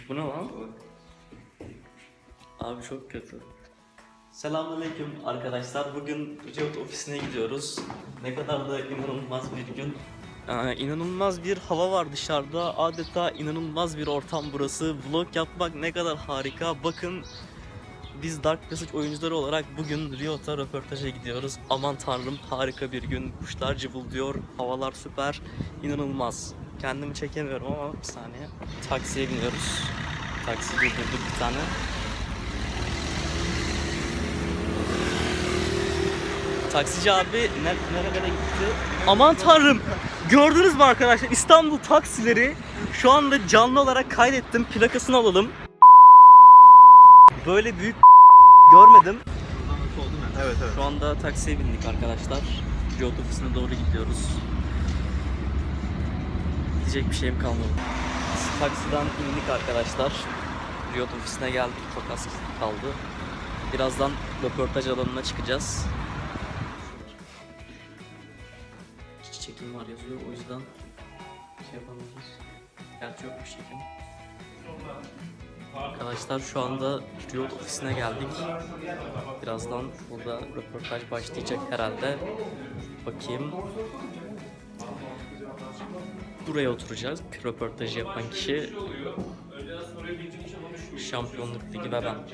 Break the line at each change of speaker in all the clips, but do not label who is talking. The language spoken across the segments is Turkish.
Bu ne lan? Abi çok kötü. Selamünaleyküm arkadaşlar. Bugün Riot ofisine gidiyoruz. Ne kadar da inanılmaz bir gün. İnanılmaz bir hava var dışarıda. Adeta inanılmaz bir ortam burası. Vlog yapmak ne kadar harika. Bakın biz Dark Passage oyuncuları olarak bugün Riot'a röportaja gidiyoruz. Aman tanrım harika bir gün. Kuşlar cıvıldıyor. Havalar süper. İnanılmaz. Kendimi çekemiyorum ama bir saniye. Taksiye biniyoruz. Taksi durdurduk bir tane. Taksici abi nerelere gitti? Aman tanrım! Gördünüz mü arkadaşlar? İstanbul taksileri şu anda canlı olarak kaydettim. Plakasını alalım. Böyle büyük görmedim.
Evet.
Şu anda taksiye bindik arkadaşlar. Riot ofisine doğru gidiyoruz. Diyecek bir şeyim kalmadı. Taksiden indik arkadaşlar. Riot ofisine geldik. Çok az kaldı. Birazdan röportaj alanına çıkacağız. Çekim var yazıyor, o yüzden şey yapamayız. Gerçi yokmuş çekim. Arkadaşlar şu anda Riot ofisine geldik. Birazdan burada röportaj başlayacak herhalde. Bakayım. Buraya oturacağız. Röportajı yapan kişi Şampiyonluk Ligi ve ben.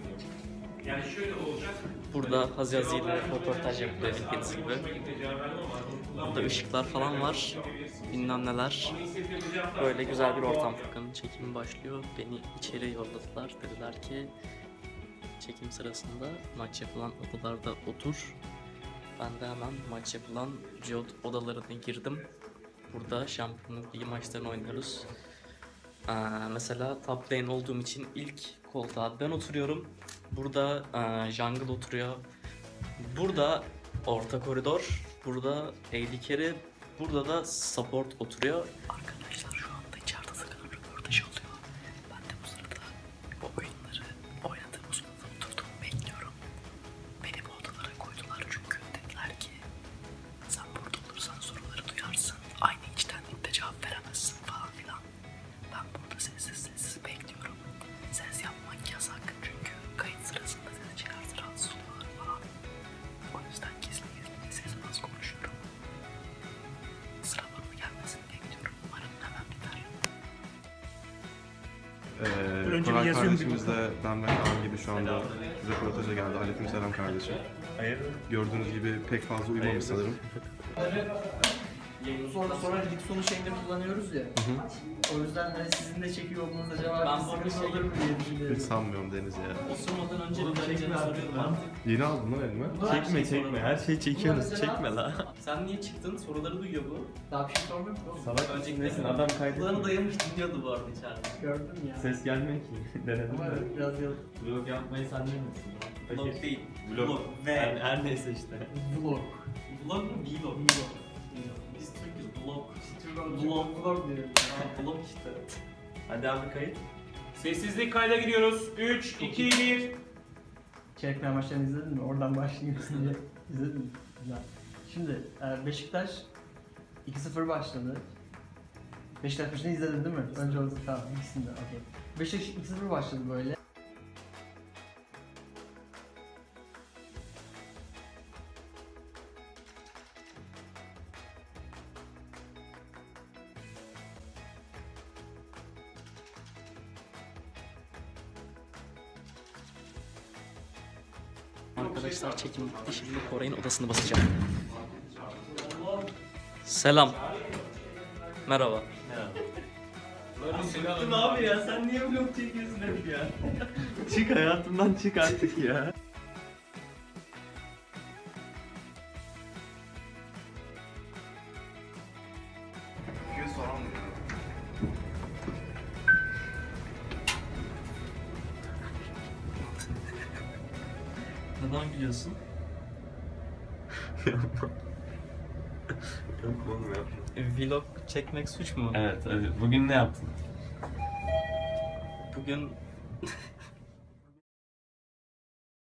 Burada Haziazi ile röportaj yapılıyor bildiğiniz gibi. Burada ışıklar falan var. Bilmem neler. Böyle güzel bir ortam. Furkan'ın çekimi başlıyor. Beni içeri yolladılar. Dediler ki çekim sırasında maç yapılan odalarda otur. Ben de hemen maç yapılan Riot odalarına girdim. Burada Şampiyonluk Ligi maçlarını oynuyoruz. Mesela top lane olduğum için ilk koltuğa ben oturuyorum. Burada jungle oturuyor. Burada orta koridor. Burada AD carry. Burada da support oturuyor. Arkadaşlar şu anda içeride sakın röportaj oluyor. Ben de bu sırada o oyunları oynadığım sırada oturdum bekliyorum. Beni bu odalara koydular çünkü dediler ki sen burada olursan soruları duyarsın. Aynı içtenlikle cevap veremezsin falan filan. Ben burada sessiz bekliyorum. Ses yapmak yasak çünkü kayıt sırasında ses çıkarsa rahatsız oluyorlar falan. O yüzden gizli sesim az konuşuyorum. Sıra bana gelmesini bekliyorum. Umarım hemen biter.
Koray kardeşimiz de ben ve Kaan gibi şu anda röportaja geldi. Aleykümselam kardeşim.
Hayır.
Gördüğünüz gibi pek fazla uyumamış sanırım.
Sonra diksiyonu şeyinde kullanıyoruz ya. O yüzden hani sizin de çekiyor olmanız acaba bir sıkıntı olur mu diye
Hiç
düşünüyorum.
sanmıyorum Deniz ya.
Osurmadan önce bir çekme soruyorum.
Yeni aldın lan elime.
Çekme. Her şeyi çekiyoruz. Çekme la.
Sen niye çıktın? Soruları duyuyor bu.
Daha bir şey sormak yok oğlum.
Salak mısın nesin? Adam
Kulağını
kaydediyor.
dayamış dinliyordu bu arada içeride.
Gördüm ya.
Ses gelmiyor ki. Denedim
Ama
de.
biraz yıl.
Vlog yapmayı sen değil misin?
Vlog değil.
Vlog.
Ve.
Her neyse işte.
Vlog.
Vlog mu? Vlog. Biz Türk'üz. Vlog.
Vlog diyorum.
Vlog işte.
Hadi abi kayıt.
Sessizlik kayda gidiyoruz. 3, 2, 1.
Çeyrek maçlarını izledin mi? Oradan başlayayım diye. İzledin mi? Güzel. Şimdi Beşiktaş 2-0 başladı. Beşiktaş maçını izledin değil mi? Önce olsun tamam ikisini de okey. Beşiktaş 2-0 başladı böyle.
Arkadaşlar çekim bitti. Şimdi Koray'ın odasını basacağım. Selam. Merhaba.
Sıktın abi ya. Sen niye vlog çekiyorsun hep ya? Çık hayatımdan çık artık ya.
Neden gülüyorsun?
Yok oğlum yapma.
Vlog çekmek suç mu?
Evet, bugün ne yaptın?
Bugün